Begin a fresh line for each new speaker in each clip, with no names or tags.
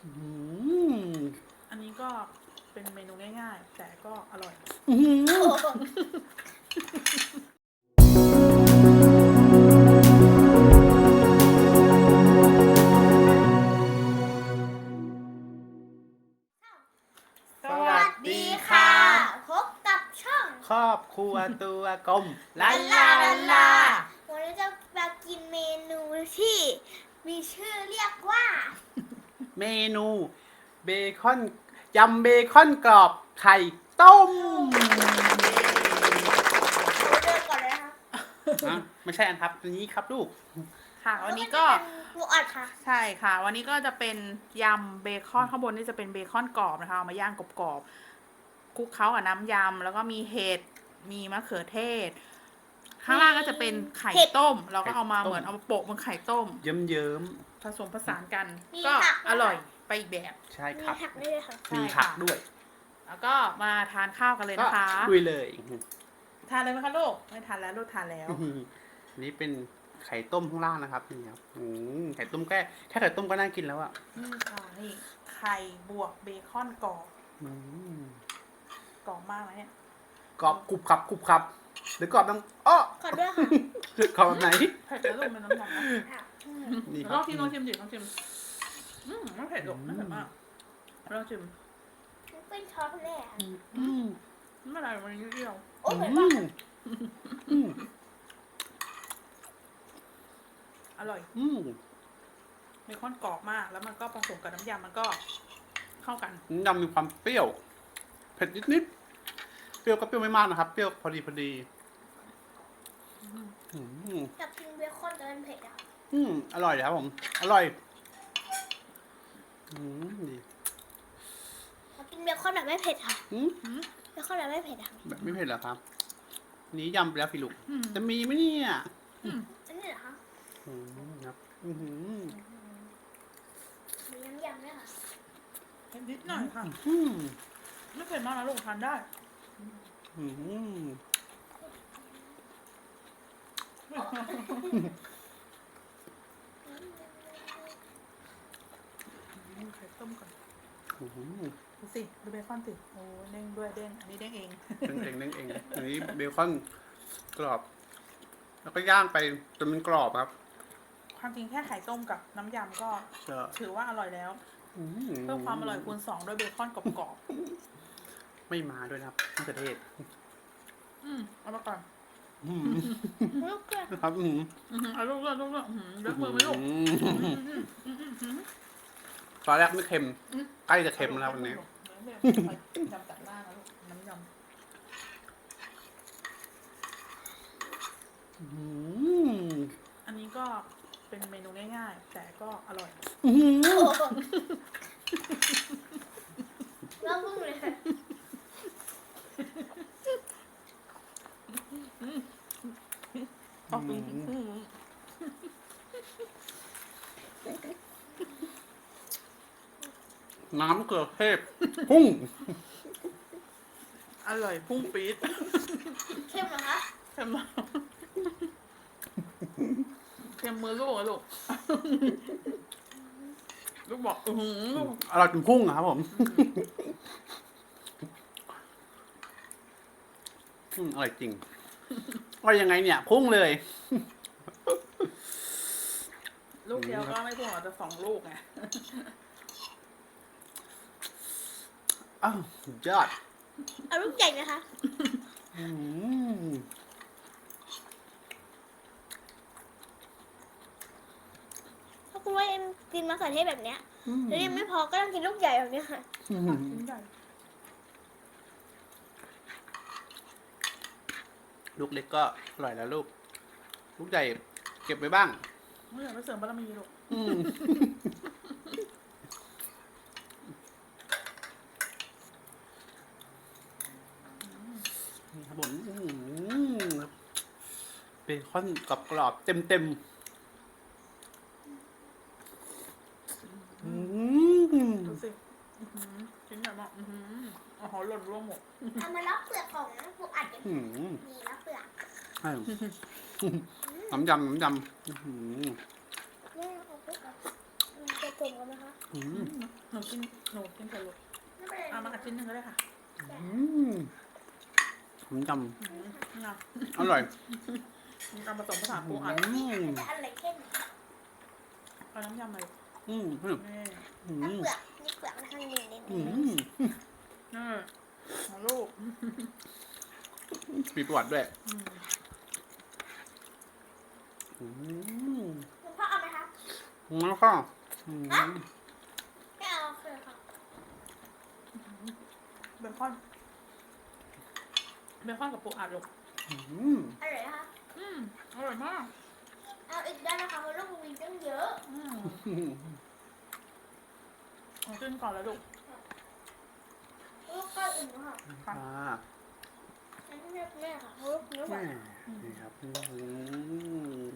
อืม
อันนี้ก็เป็นเมนูง่ายๆแต่ก็อร่อย
อื้อหือสวัสดีค่ะ
พบกับช่อง
ครอบครัวตัวกลม
ลาลาวันนี้จะมากินเมนูที่มีชื่อเรียกว่า
เมนูเบคอนยำเบคอนกรอบไข่ต้ม
เราเริ่มก่อนเลยนะคะ
นะไม่ใช่อันครับตัวนี้ครับลูก
ค่ะวันนี้ก็
หมูอัดค่ะ
ใช่ค่ะ วันนี้ก็จะเป็นยำเบคอนข้างบนนี่จะเป็นเบคอนกรอบนะคะเอามาย่างกรอบๆคลุกเคล้ากับน้ำยำแล้วก็มีเห็ดมีมะเขือเทศ ข้างล่างก็จะเป็นไข่ต้ม เราก็เอามา
ไข่ต้ม
เหมือนเอามาโปะบนไข่ต้ม
เยิ้ม
ผสมผสานกัน
มี
ก็
ผักด้วย
อร่อยไปอีกแบบ
ๆใช่
มี
ครับ
ผักด้วยค่ะ
ใช่
มี
ค่ะ
ผักด้วย
แล้วก็มาทานข้าวกันเลย
ก็
นะคะ
ลุยเลย
ทานเลยไหมคะลูกไม่ทานแล้วลูกทานแล้ว
อันนี้เป็นไข่ต้มข้างล่างนะครับนี่ครับไข่ต้มแค่ไข่ต้มก็น่ากินแล้วอ่ะ
นี่ค่ะนี่ไข่บวกเบคอนกรอบ
อืม
กรอบมากนะเนี่ย
กรอบกรุบครับกรุบครับหรือกรอบน้ำอ้อ
ขอด้วยค่ะ
กรอบแบบไหน
เผ็ดแล้วลูกเป็นน้ำยำนะ
นี่ค
ล
รั
อบ งชิมลองชิมดิลองชิมไม่เผ็ดหรอกไม่เผ็ดมากลองชิม
เป็นช้อนแรก
อืม
ไม่เป็นไรมันนิดเดียว
โอ้
อื
ยเหมือน
ม
ว่า
อืม
อร่อย
อืม
เบคอนกรอบมากแล้วมันก็ผสมกับน้ำยำมันก็เข้ากัน
น้ำยำมีความเปรี้ยวเผ็ดนิดๆเปรี้ยวก็เปรี้ยวไม่มากนะครับเปรี้ยวพอดีอืม
อยากกินเบคอนแต่มันเผ็ดอ่ะ
อร่อยครับผมอร่อยดี
อยากกินเบคอนแบบไม่เผ็ดค่ะ
อืม
เบคอนแบบไม่เผ็ดอ่ะ
แบบไม่เผ็ดเหรอครับนี้ยำไปแล้วสิลูก
อืม
จะมีไหมเนี่ย
อันนี้เหรอคะ
ครับอื้อหือ
มีน้ำยำด้วยค่ะ
เผ็ดนิดหน่อยค่ะ
อืม
ไม่เผ็ดมากนะลูกทานได้
อืม
ไข่ต้มก่อน
อื้อหือ
ดูสิดูเบคอนสิโอ้เด้งด้วยเด้งอันนี้เด้งเอง
นั่งเองอันนี้เบคอนกรอบ แล้วก็ย่างไปจนมันกรอบครับ
ความจริงแค่ไข่ต้มกับน้ำยำก็
ก็
ถือว่าอร่อยแล้ว เพิ่มความอร่อยคูณ2ด้วยเบคอนกรอบ
ไม่มาด้วยนะครับมะเขือเทศ
ๆเอามาก่อน
ลูกเกลือ
นะครับ
เอาลูกเลือกลูกเลือกเลือกมือไหมลูก
ตอนแรกไม่เค็ม ใกล้จะเค็มแล้ววันนี้
ยำจัดหน้านะลูกน้ำย
อืม
ำอันนี้ก็เป็นเมนูง่ายๆ แต่ก็อร่อย
โอ้โหแล้วมึงเลยค่ะ
ขอบคุณ
น้ำมะเขือเทศพุ่ง
อร่อยพุ่งปี๊ด
เข้มเหรอคะ
เค็มมากเค็มมือลูกอะลูก ลูกบอกลูก
อร่อยจนพุ่งอะครับผมอร่อยจริงอร่อยยังไงเนี่ย พุ่งเลย
ลูกเดียวก็ไม่พุ่งหรอกจะ2 ลูกไง
อ้าวสุดยอด
เอาลูกใหญ่นะคะ
อืม
ถ้าคุณว่าเอ็มกินมะเขือเทศแบบเนี้ยแล้วยังไม่พอก็ต้องกินลูกใหญ่แบบเนี้ยค่ะ
ชิ้นใหญ่
ลูกเล็กก็อร่อยแล้วลูก ลูกใหญ่เก็บไว้บ้าง
ไม่อยากไปเสริมบารมีลูก
นี่ครับผมเบคอนกรอบๆเต็มๆ
ดูสิชิ้นใหญ่มากอ๋อหล่นร่วงหมด
เอามารับเปลือกของพวกอัดกัน
อืม
มีรับเปลือก
ใช่น้ำยำ
เนี่ยเอาไปแบบมันเป็นสมกันไหมคะ
อืม
หนูกินเถอะลูก
ไม่เป็นไร
เอามากัดชิ้นหนึ่งก็ได้ค่ะ
อืมผมจ
เอา
ำอร่อย
เอาผสมผสานปูอัด
อืม
จะอะไรเข้ม
เอาน้ำยำมาลูก
อืมอืม
นี่
อื
เอา
ม
เปลือกนี่เปลือกข้างในนี่
อืม
นี่เอาลูก
มีประวัติด้วย
อืม
อืม
คุณพ่อเอาไหมคะ
แล้วก็อืม
ไม่เอาคือค่ะ
เบคอนกับปูอัดลูก
อืม
อร่อยนะคะ
อร่อยมาก
เอาอีกได้นะคะเพราะลูกมีตั้งเยอะ
เอาขึ้นก่อนแล้วลูก
ลูกก็อื่นค่ะ
อ่า
อันนี้เรียกแม่ค่ะเพราะลูกเนื้อห
แม่
วาน
นี่ครับอืม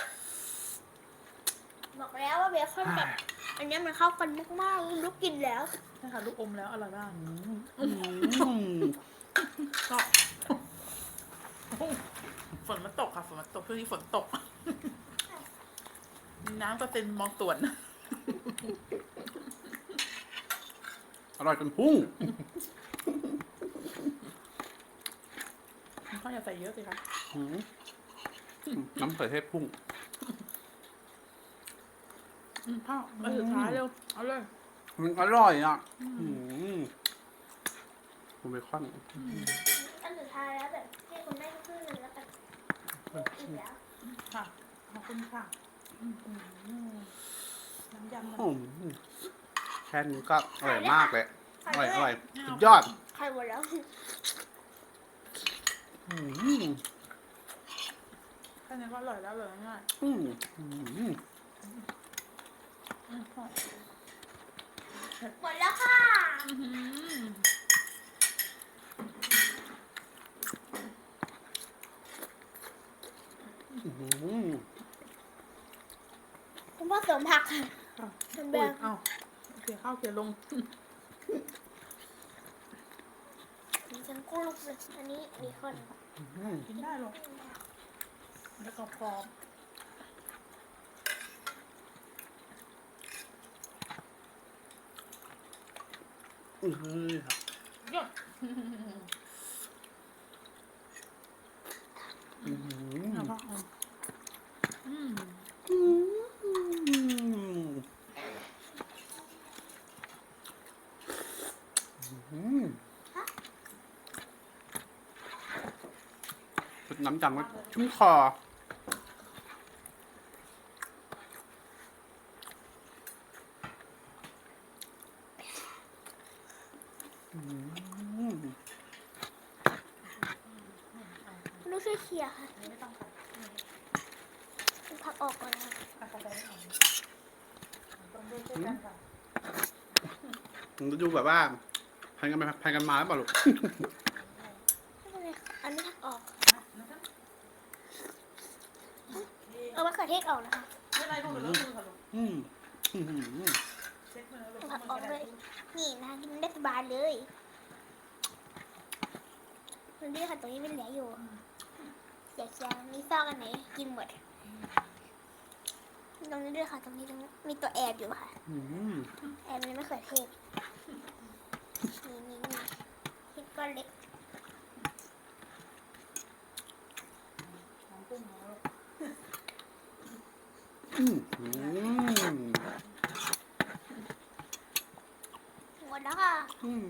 บอกแล้วว่าเบคอนกับอันนี้มันเข้ากันมากๆลูกกินแล้ว
ใช่ค่ะลูกอมแล้วอร่อยมาก
อืม
ก็ฝนมันตกค่ะฝนมันตกช่วงนี้ฝนตก น้ำก็เต็มมองตวน
อร่อยจนพุ่ง
ข้าวอย่าใส่เยอะสิคะ
อืมน้ำใส่เทศพุ่ง
ข้าวมาสุดท้ายเร็วเอาเลย
มันอร่อยอ่ะอืมคุณเบคอน
อันสุดท้ายแล้วแบบให้คุณแม่ครึ่งหนึงแล้วกันอีกแล้ว
ค่ะขอบคุณค่ะน้ำยำมัน
อืมแค่นี้ก็อร่อยมากเลยอร่อยอร่อย
ไม่เอา
สุดยอด
ใครหมดแล้ว
อืม
แค่นี้ก็อร่อยแล้วเลยง่าย
อืมอืม
พ่อ
หมดแล้วค่ะ
อืม
คุณพ่อเสริมผักค่ะ
อุ้ยเอาเขี่ยข้าวเขี่ยลง
ดิฉันกุ้งลูกเลยอันนี้เบคอน
อืม
กินได้หรอกแล้วก็พอ
อืมครับ
ยอด
อืม
เอาพ่อเอา
อืมอืมน้ำจังก็ชุ่มคออืม
ลูกช่วยเคลียร์ค่ะ
ไม่ต้องตัด
เอาผักออกก่อนค่ะ
ตัดไปไม่เอาต้องด้วยช่วยกันค่ะ
มันก็ดูแบบว่าพันกันไปพันกันมาแล้วเปล่าลูก
ไม่เป็นไรค่ะอันนี้ผักออก
นะครับ
เอามะเขือเทศออกนะคะ
ไม่เป็นไรลูกเดี๋ยวเลิกมือค่ะลูก
อืมอืม
เช็ดมือแล้วลูก
เอาผักออกด้วยนี่นะคะกินได้สบายเลยมันนี่ค่ะตรงนี้มันเหลืออยู่อยากจะมีซอกอันไหนกินหมดตรงนี้ด้วยค่ะตรงนี้มีตัวแอบอยู่ค่ะ
อืม
แอบมันมะเขือเทศนี่พริกก้อนเล็ก
ของกุ้งของลูก
อืมอืม
หมดแล้วค่ะ
อืม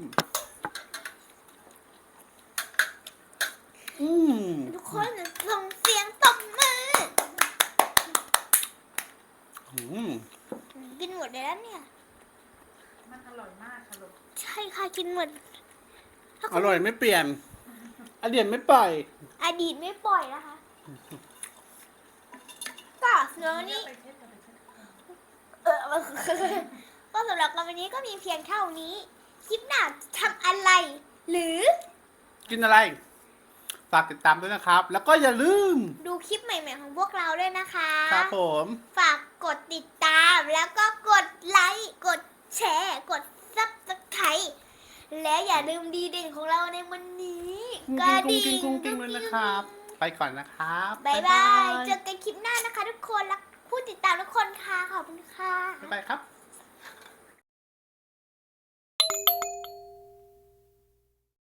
อืม
ทุกคนส่งเสียงตบมือ
อืม
กินหมดเลยแล้วเนี่ย
มันอร่อยมากค่ะลูก
ใช่ค่ะกินหมดถ้า
อ
คุณ
ร่อยไม่เปลี่ยนอเดียนไม่ปล่อย
อดีตไม่ปล่อยนะคะ ก็สำหรับวันนี้
ไปเช็ดกันไปเช็ด
ก็สำหรับวันนี้ก็มีเพียงเท่านี้ คลิปหน้าทำอะไร หรือ
กินอะไร ฝากติดตามด้วยนะครับ แล้วก็อย่าลืม
ดูคลิปใหม่ๆของพวกเราด้วยนะคะ
ครับผม
ฝากกดติดตามแล้วก็กดไลค์กดแชร์กดซับสไครต์และอย่าลืมดีเด่นของเราในวันนี้
กุ้งกิ้งกุ้งกิ้งด้วยนะครับ ไปก่อนนะครับ
บ๊ายบาย เจอกันคลิปหน้านะคะทุกคนรักผู้ติดตามทุกคนค่ะ ขอบคุณค่ะ
บ๊ายบายครับ